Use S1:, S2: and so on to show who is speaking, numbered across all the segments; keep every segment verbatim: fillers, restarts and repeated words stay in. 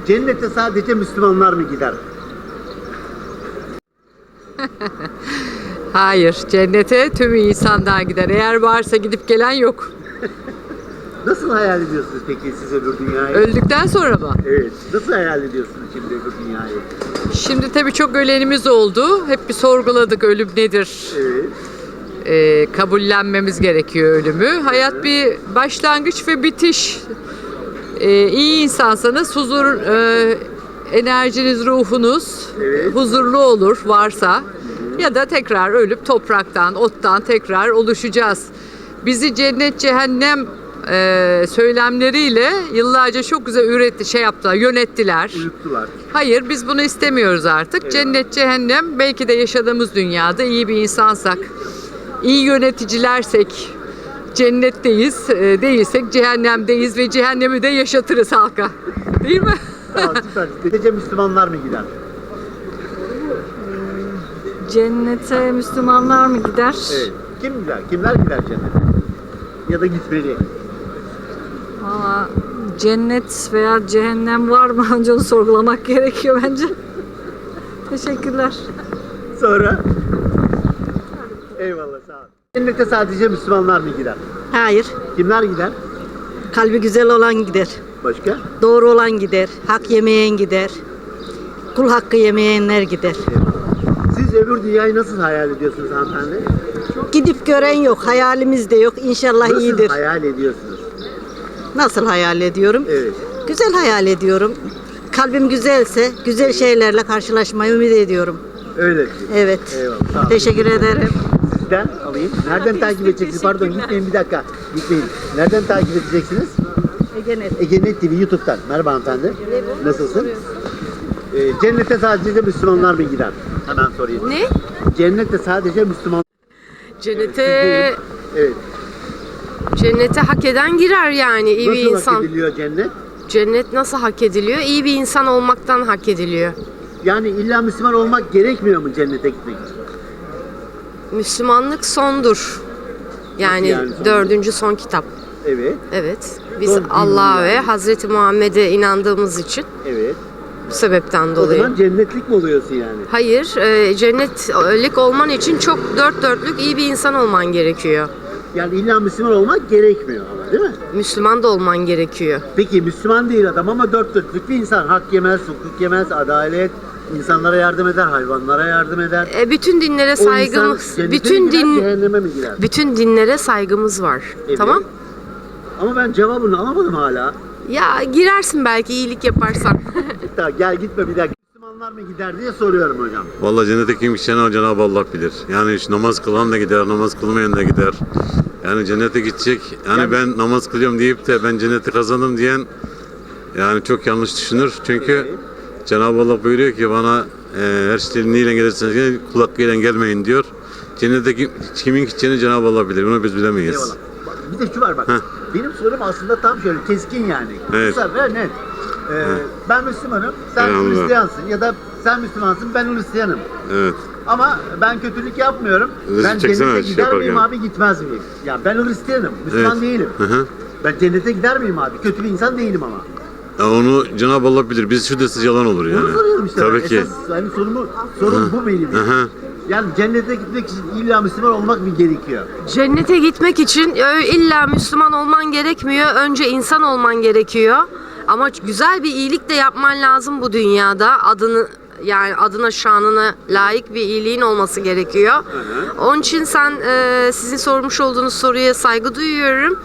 S1: Cennete sadece Müslümanlar mı gider?
S2: Hayır, cennete tüm insanlar gider. Eğer varsa gidip gelen yok.
S1: Nasıl hayal ediyorsunuz peki siz öbür dünyayı?
S2: Öldükten sonra mı?
S1: Evet. Nasıl hayal ediyorsunuz şimdi öbür dünyayı?
S2: Şimdi tabii çok ölenimiz oldu. Hep bir sorguladık ölüm nedir?
S1: Evet.
S2: Ee, kabullenmemiz gerekiyor ölümü. Hayat bir başlangıç ve bitiş. Ee, iyi insansanız huzur, e, enerjiniz, ruhunuz
S1: Evet.
S2: huzurlu olur varsa. Ya da tekrar ölüp topraktan, ottan tekrar oluşacağız. Bizi cennet, cehennem e, söylemleriyle yıllarca çok güzel üretti, şey yaptılar, yönettiler.
S1: Uyuttular.
S2: Hayır, biz bunu istemiyoruz artık.
S1: Evet.
S2: Cennet, cehennem belki de yaşadığımız dünyada iyi bir insansak, iyi yöneticilersek cennetteyiz, e, değilsek cehennemdeyiz ve cehennemi de yaşatırız halka. Değil mi?
S1: Tamam, süper. Sadece Müslümanlar mı gider?
S3: Cennete Müslümanlar mı gider?
S1: Evet. Kim gider? Kimler gider cennete? Ya da gitmeli?
S3: Valla cennet veya cehennem var mı? Önce onu sorgulamak gerekiyor bence. Teşekkürler.
S1: Sonra? Eyvallah, sağ ol. Cennete sadece Müslümanlar mı gider?
S4: Hayır.
S1: Kimler gider?
S4: Kalbi güzel olan gider.
S1: Başka?
S4: Doğru olan gider. Hak yemeyen gider. Kul hakkı yemeyenler gider.
S1: Siz öbür dünyayı nasıl hayal ediyorsunuz hanımefendi?
S4: Gidip gören yok. Hayalimiz de yok. İnşallah
S1: Nasıl
S4: iyidir.
S1: hayal ediyorsunuz?
S4: Nasıl hayal ediyorum?
S1: Evet.
S4: Güzel hayal ediyorum. Kalbim güzelse güzel şeylerle karşılaşmayı ümit ediyorum.
S1: Öyle mi?
S4: Evet.
S1: Eyvallah. Sağ olun.
S4: Teşekkür ederim.
S1: Sizden alayım. Nereden takip edeceksiniz? Pardon, gitmeyin bir dakika. Gitmeyin. Nereden takip edeceksiniz?
S4: Egenet.
S1: Egenet T V YouTube'dan. Merhaba hanımefendi. Nasılsın? Ee, cennete sadece Müslümanlar mı gider? Hemen sorayım.
S5: Ne?
S1: Cennette sadece Müslüman.
S5: Cennete
S1: Evet.
S5: cennete hak eden girer yani iyi bir
S1: Nasıl
S5: insan.
S1: hak ediliyor cennet?
S5: Cennet nasıl hak ediliyor? İyi bir insan olmaktan hak ediliyor.
S1: Yani illa Müslüman olmak gerekmiyor mu cennete gitmek için?
S5: Müslümanlık sondur. Yani,
S1: yani son?
S5: dördüncü son kitap.
S1: Evet.
S5: Evet. Biz
S1: Son
S5: Allah'a
S1: din
S5: ve
S1: yani.
S5: Hazreti Muhammed'e inandığımız için
S1: Evet.
S5: bu sebepten
S1: O
S5: dolayı.
S1: zaman cennetlik mi oluyorsun yani?
S5: Hayır, e, cennetlik olman için çok dört dörtlük iyi bir insan olman gerekiyor.
S1: Yani illa Müslüman olmak gerekmiyor ama, değil mi?
S5: Müslüman da olman gerekiyor.
S1: Peki Müslüman değil adam ama dört dörtlük bir insan. Hak yemez, hukuk yemez, adalet, insanlara yardım eder, hayvanlara yardım eder.
S5: E, bütün dinlere
S1: O insan
S5: saygımız,
S1: cennete
S5: bütün
S1: mi gider,
S5: din
S1: cehenneme mi gider?
S5: bütün dinlere saygımız var.
S1: Evet.
S5: Tamam?
S1: Ama ben cevabını alamadım hala.
S5: Ya girersin belki iyilik yaparsan.
S1: Hatta gel gitme bir dakika. Müslümanlar mı gider diye soruyorum hocam.
S6: Vallahi cennete kim gideceğini Cenab-ı Allah bilir. Yani şu namaz kılan da gider, namaz kılmayan da gider. Yani cennete gidecek. Yani,
S1: Yani-
S6: ben namaz kılıyorum deyip de ben cenneti kazandım diyen yani çok yanlış düşünür. Çünkü
S1: Evet.
S6: Cenab-ı Allah buyuruyor ki bana e, her şeyin neyle gelirseniz gelin, kul hakkıyla gelmeyin diyor. Cennete kim, kimin gideceğini Cenab-ı Allah bilir. Bunu biz bilemeyiz.
S1: Eyvallah. Bak, bir de şu var bak.
S6: Heh.
S1: Benim sorum aslında tam şöyle keskin yani.
S6: Evet.
S1: Kısa ve net. Ee, ben Müslümanım, sen
S6: Eyvallah.
S1: Hristiyansın ya da sen Müslümansın, ben Hristiyanım.
S6: Evet.
S1: Ama ben kötülük yapmıyorum.
S6: Resim
S1: Ben
S6: çeksene
S1: cennete
S6: şey
S1: gider miyim
S6: yaparken.
S1: abi, gitmez miyim? Ya ben Hristiyanım, Müslüman
S6: Evet.
S1: değilim.
S6: Hı hı.
S1: Ben cennete gider miyim abi? Kötü bir insan değilim ama.
S6: Ya onu Cenab-ı Allah bilir. Biz şu desiz yalan olur yani.
S1: Bunu soruyorum işte.
S6: Tabii
S1: ben.
S6: ki.
S1: Esas yani sorumu, sorum bu benim.
S6: Hı hı.
S1: Yani cennete gitmek için illa Müslüman olmak mı gerekiyor?
S5: Cennete gitmek için ö- illa Müslüman olman gerekmiyor. Önce insan olman gerekiyor. Ama güzel bir iyilik de yapman lazım bu dünyada. Adını yani adına şanına layık bir iyiliğin olması gerekiyor. Onun için sen e, sizin sormuş olduğunuz soruya saygı duyuyorum.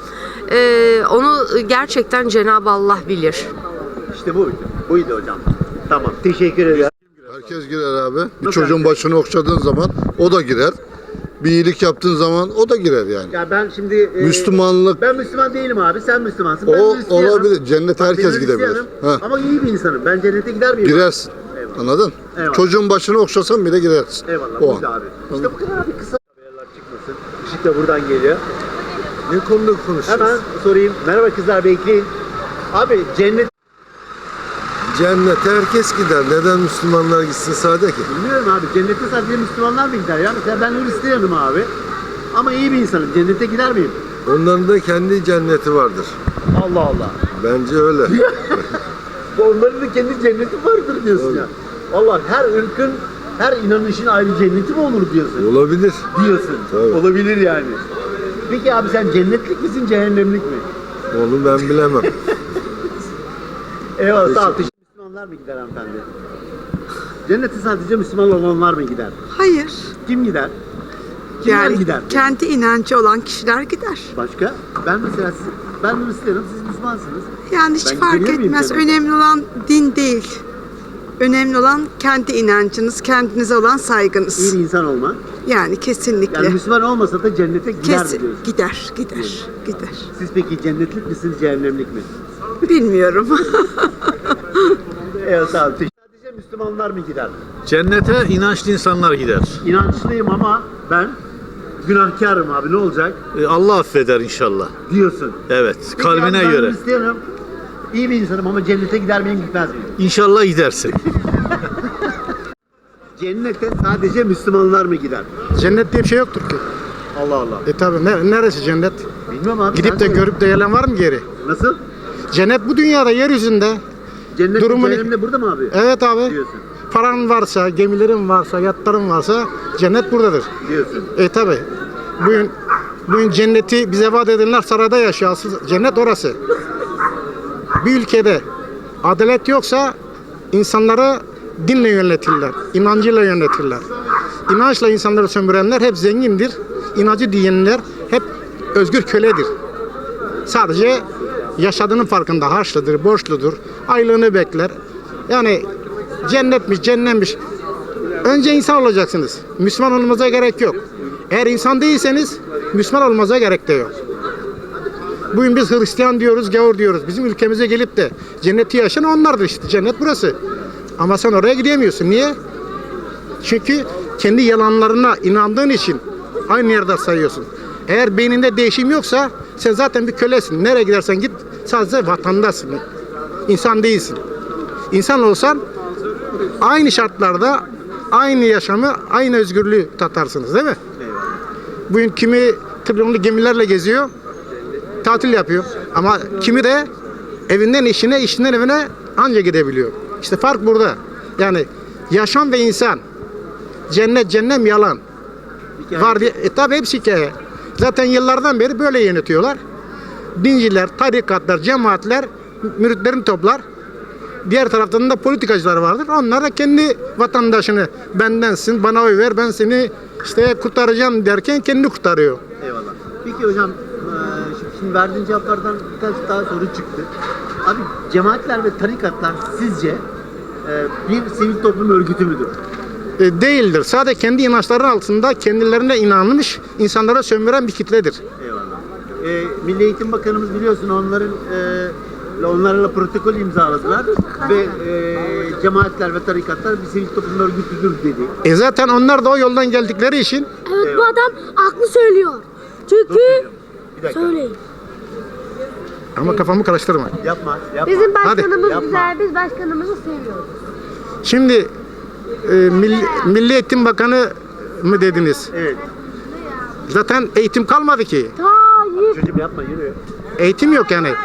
S5: E, onu gerçekten Cenab-ı Allah bilir.
S1: İşte buydu. Buydu hocam. Tamam. Teşekkür ederim.
S7: Herkes girer abi. Bir
S1: Nasıl
S7: çocuğun
S1: herkes?
S7: başını okşadığın zaman o da girer. Bir iyilik yaptığın zaman o da girer yani.
S1: Ya ben şimdi e,
S7: Müslümanlık
S1: ben Müslüman değilim abi. Sen Müslümansın. Ben
S7: o
S1: Hristiyanım.
S7: olabilir. Cennete
S1: Bak,
S7: herkes
S1: ben
S7: gidebilir.
S1: Hristiyanım
S7: Ha.
S1: Ama iyi bir insanım. Ben cennete gider miyim?
S7: Girersin.
S1: Eyvallah.
S7: Anladın?
S1: Eyvallah.
S7: Çocuğun başını okşasan bile girersin.
S1: Eyvallah.
S7: O
S1: Buydu
S7: an.
S1: abi. İşte bu kadar abi, kısa. Haberler çıkmasın. Işık da buradan geliyor.
S8: Ne konuda konuşacağız?
S1: Hemen sorayım. Merhaba kızlar, bekleyin. Abi cennet
S8: Cennete herkes gider. Neden Müslümanlar gitsin sade ki?
S1: bilmiyorum abi. Cennete sadece Müslümanlar mı gider ya? Mesela ben Hristiyanım abi. Ama iyi bir insanım. Cennete gider miyim?
S8: Onların da kendi cenneti vardır.
S1: Allah Allah.
S8: Bence öyle.
S1: Onların da kendi cenneti vardır diyorsun ya. Vallahi her ırkın, her inanışın ayrı cenneti mi olur diyorsun?
S8: Olabilir.
S1: Diyorsun.
S8: Tabii.
S1: Olabilir yani. Peki abi sen cennetlik misin, cehennemlik mi?
S8: Onu ben bilemem.
S1: Eyvallah. Sağ ol. Müslümanlar mı gider hanımefendi? Cennete sadece Müslüman olanlar mı gider?
S9: Hayır.
S1: Kim gider? Kimler
S9: Yani
S1: gider?
S9: kendi inancı olan kişiler gider.
S1: Başka? Ben mesela siz, ben Müslümanım, siz Müslümansınız.
S9: Yani hiç
S1: Ben
S9: fark
S1: gidebilir miyim
S9: etmez.
S1: cennete?
S9: Önemli olan din değil. Önemli olan kendi inancınız, kendinize olan saygınız.
S1: İyi bir insan olma.
S9: Yani kesinlikle.
S1: Yani Müslüman olmasa da cennete gider mi
S9: Kesin,
S1: diyorsun?
S9: gider, gider, gider.
S1: Siz peki cennetlik misiniz, cehennemlik mi?
S9: Bilmiyorum.
S1: Evet sağ olun. Sadece Müslümanlar mı gider?
S10: Cennete inançlı insanlar gider.
S1: İnançlıyım ama ben günahkarım abi, ne olacak
S10: E, Allah affeder inşallah.
S1: diyorsun.
S10: Evet,
S1: Peki abi,
S10: kalbine
S1: ben
S10: göre.
S1: Hristiyanım, iyi bir insanım ama cennete gider miyim, gitmez miyim?
S10: İnşallah gidersin.
S1: Cennete sadece Müslümanlar mı gider?
S11: Cennet diye bir şey yoktur ki.
S1: Allah Allah.
S11: E tabi neresi cennet?
S1: Bilmiyorum abi.
S11: Gidip
S1: sen
S11: de
S1: söyle.
S11: görüp de gelen var mı geri?
S1: Nasıl?
S11: Cennet bu dünyada, yeryüzünde.
S1: Cennet
S11: Durumunu-
S1: cehennemde burada mı abi?
S11: Evet abi.
S1: Diyorsun.
S11: Paran varsa, gemilerin varsa, yatların varsa cennet buradadır.
S1: Diyorsun.
S11: E tabi. Bugün, bugün cenneti bize vaat edenler sarayda yaşıyor. Asıl cennet orası. Bir ülkede adalet yoksa insanları dinle yönetirler, inancıyla yönetirler. İnançla insanları sömürenler hep zengindir. İnancı diyenler hep özgür köledir. Sadece yaşadığının farkında, harçlıdır, borçludur, aylığını bekler. Yani cennetmiş, cennetmiş. Önce insan olacaksınız. Müslüman olmanıza gerek yok. Eğer insan değilseniz Müslüman olmanıza gerek de yok. Bugün biz Hristiyan diyoruz, gavur diyoruz. Bizim ülkemize gelip de cenneti yaşayan onlardır işte. Cennet burası. Ama sen oraya gidemiyorsun. Niye? Çünkü kendi yalanlarına inandığın için aynı yerde sayıyorsun. Eğer beyninde değişim yoksa sen zaten bir kölesin. Nereye gidersen git sadece vatandaşsın. İnsan değilsin. İnsan olsan aynı şartlarda aynı yaşamı, aynı özgürlüğü tatarsınız değil mi? Bugün kimi trilyonlu gemilerle geziyor, tatil yapıyor. Ama kimi de evinden işine, işinden evine anca gidebiliyor. İşte fark burada. Yani yaşam ve insan, cennet, cennem yalan. Var diye, e tabi hepsi hikaye. Zaten yıllardan beri böyle yönetiyorlar. Dinciler, tarikatlar, cemaatler müritlerini toplar. Diğer taraftan da politikacılar vardır. Onlar da kendi vatandaşını bendensin, bana oy ver, ben seni işte kurtaracağım derken kendini kurtarıyor.
S1: Eyvallah. Peki hocam, eee, şimdi, şimdi verdiğin cevaplardan birkaç daha soru çıktı. Abi cemaatler ve tarikatlar sizce eee, bir sivil toplum örgütü müdür?
S11: E, değildir. Sadece kendi inançları altında kendilerine inanmış, insanlara sömüren bir kitledir.
S1: Eyvallah. Eee Milli Eğitim Bakanımız biliyorsun onların eee, onlarla protokol imzaladılar ve eee, cemaatler ve tarikatlar bir sivil toplum örgütüdür dedi.
S11: E zaten onlar da o yoldan geldikleri için
S12: Evet, bu adam haklı söylüyor. Çünkü
S1: Bir dakika.
S12: söyleyin.
S11: ama kafamı karıştırma.
S1: Yapma, yapma.
S12: Bizim başkanımız
S1: Yapma.
S12: güzel, biz başkanımızı seviyoruz.
S11: Şimdi e, Milli, Milli Eğitim Bakanı mı dediniz?
S1: Evet.
S11: Zaten eğitim kalmadı ki.
S12: Tayyip.
S1: Çocuğum yapma, yürü.
S11: Eğitim yok yani.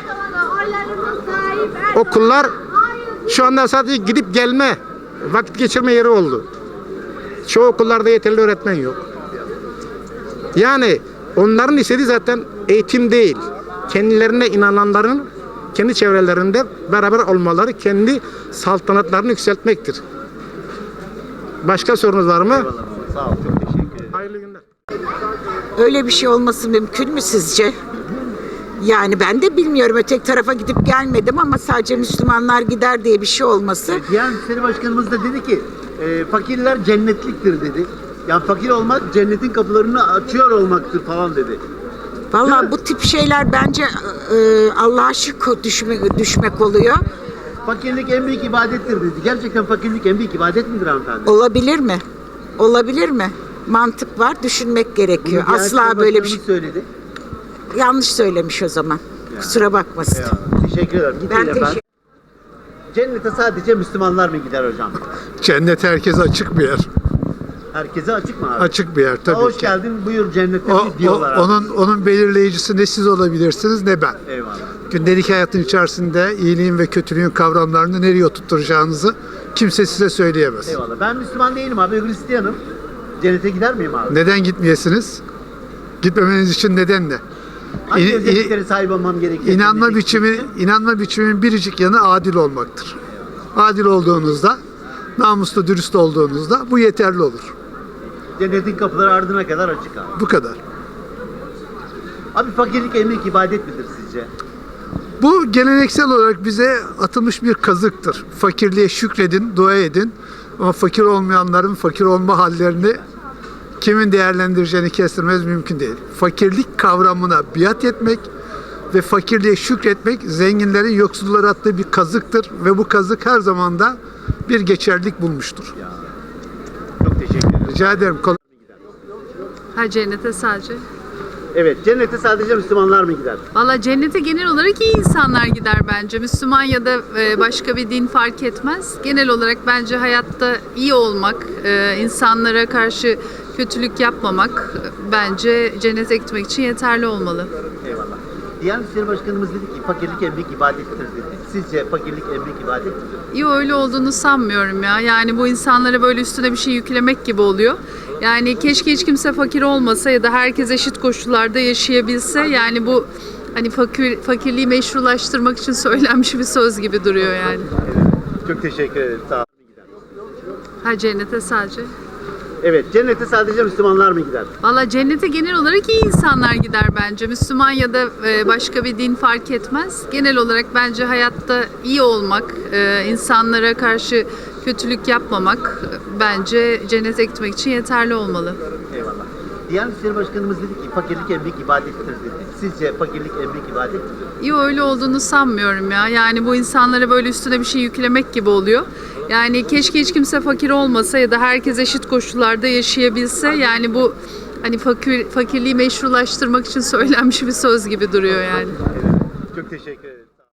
S11: Okullar şu anda sadece gidip gelme, vakit geçirme yeri oldu. Çoğu okullarda yeterli öğretmen yok. Yani onların istediği zaten eğitim değil. Kendilerine inananların kendi çevrelerinde beraber olmaları, kendi saltanatlarını yükseltmektir. Başka sorunuz var mı?
S1: Eyvallah. Sağ ol, çok teşekkür ederim.
S11: Hayırlı günler.
S9: Öyle bir şey olması mümkün mü sizce? Yani ben de bilmiyorum. Öteki tarafa gidip gelmedim ama sadece Müslümanlar gider diye bir şey olması.
S1: Diğer Müşteri Başkanımız da dedi ki e, fakirler cennetliktir dedi. Yani fakir olmak cennetin kapılarını açıyor olmaktır falan dedi. Değil
S9: Vallahi
S1: mi?
S9: bu tip şeyler bence e, Allah'a şirk düşmek, düşmek oluyor.
S1: Fakirlik en büyük ibadettir dedi. Gerçekten fakirlik en büyük ibadet midir hanımefendi?
S9: Olabilir mi? Olabilir mi? Mantık var, düşünmek gerekiyor.
S1: Bunu Diyanet
S9: Asla
S1: İşleri
S9: böyle bir şey.
S1: Başkanımız söyledi.
S9: Yanlış söylemiş o zaman. Kusura bakmasın.
S1: Eyvallah. Teşekkür ederim. Gitmeyin
S9: Ben
S1: efendim. Cennete sadece Müslümanlar mı gider hocam?
S8: Cennet herkese açık bir yer.
S1: Herkese açık mı abi?
S13: Açık bir yer
S1: Ha,
S13: tabii
S1: hoş
S13: ki.
S1: geldin, buyur cennete
S13: O, o-
S1: diyorlar abi.
S13: onun onun belirleyicisi ne siz olabilirsiniz ne ben.
S1: Eyvallah.
S13: Gündelik hayatın içerisinde iyiliğin ve kötülüğün kavramlarını nereye oturtacağınızı kimse size söyleyemez.
S1: Eyvallah. Ben Müslüman değilim abi, Hristiyanım. Cennete gider miyim abi?
S13: Neden gitmeyesiniz? Gitmemeniz için neden ne?
S1: Hangi
S13: İ-
S1: özelliklere sahip olmam gerekiyor?
S13: İnanma
S1: cennete
S13: biçimi,
S1: gitmek için?
S13: inanma biçiminin biricik yanı adil olmaktır. Adil olduğunuzda, namuslu, dürüst olduğunuzda bu yeterli olur.
S1: Cennetin kapıları ardına kadar açık abi.
S13: Bu kadar.
S1: Abi fakirlik emlik ibadet midir sizce?
S13: Bu geleneksel olarak bize atılmış bir kazıktır. Fakirliğe şükredin, dua edin. Ama fakir olmayanların fakir olma hallerini kimin değerlendireceğini kestirmez mümkün değil. Fakirlik kavramına biat etmek ve fakirliğe şükretmek zenginlerin yoksullara attığı bir kazıktır ve bu kazık her zaman da bir geçerlilik bulmuştur.
S1: Çok teşekkür ederim.
S13: Rica ederim. Kol-
S2: Ha cennete sadece.
S1: Evet, cennete sadece Müslümanlar mı gider?
S2: Valla cennete genel olarak iyi insanlar gider bence. Müslüman ya da e, başka bir din fark etmez. Genel olarak bence hayatta iyi olmak, e, insanlara karşı kötülük yapmamak e, bence cennete gitmek için yeterli olmalı.
S1: Eyvallah. Diyanet İşleri Başkanımız dedi ki fakirlik emlik ibadettir dedi. Sizce fakirlik emlik ibadet midir?
S2: İyi öyle olduğunu sanmıyorum ya. Yani bu insanlara böyle üstüne bir şey yüklemek gibi oluyor. Yani keşke hiç kimse fakir olmasa ya da herkes eşit koşullarda yaşayabilse. Yani bu hani fakir, fakirliği meşrulaştırmak için söylenmiş bir söz gibi duruyor yani.
S1: Çok teşekkür ederim. Sağ olun.
S2: Ha cennete sadece.
S1: Evet, cennete sadece Müslümanlar mı gider?
S2: Valla cennete genel olarak iyi insanlar gider bence. Müslüman ya da e, başka bir din fark etmez. Genel olarak bence hayatta iyi olmak, e, insanlara karşı kötülük yapmamak e, bence cennete gitmek için yeterli olmalı.
S1: Eyvallah. Diyanet İşleri Başkanımız dedi ki fakirlik emlik ibadettir dedi. Sizce fakirlik emlik ibadet midir?
S2: İyi öyle olduğunu sanmıyorum ya. Yani bu insanlara böyle üstüne bir şey yüklemek gibi oluyor. Yani keşke hiç kimse fakir olmasa ya da herkes eşit koşullarda yaşayabilse. Yani bu hani fakir, fakirliği meşrulaştırmak için söylenmiş bir söz gibi duruyor yani.
S1: Çok teşekkür ederim.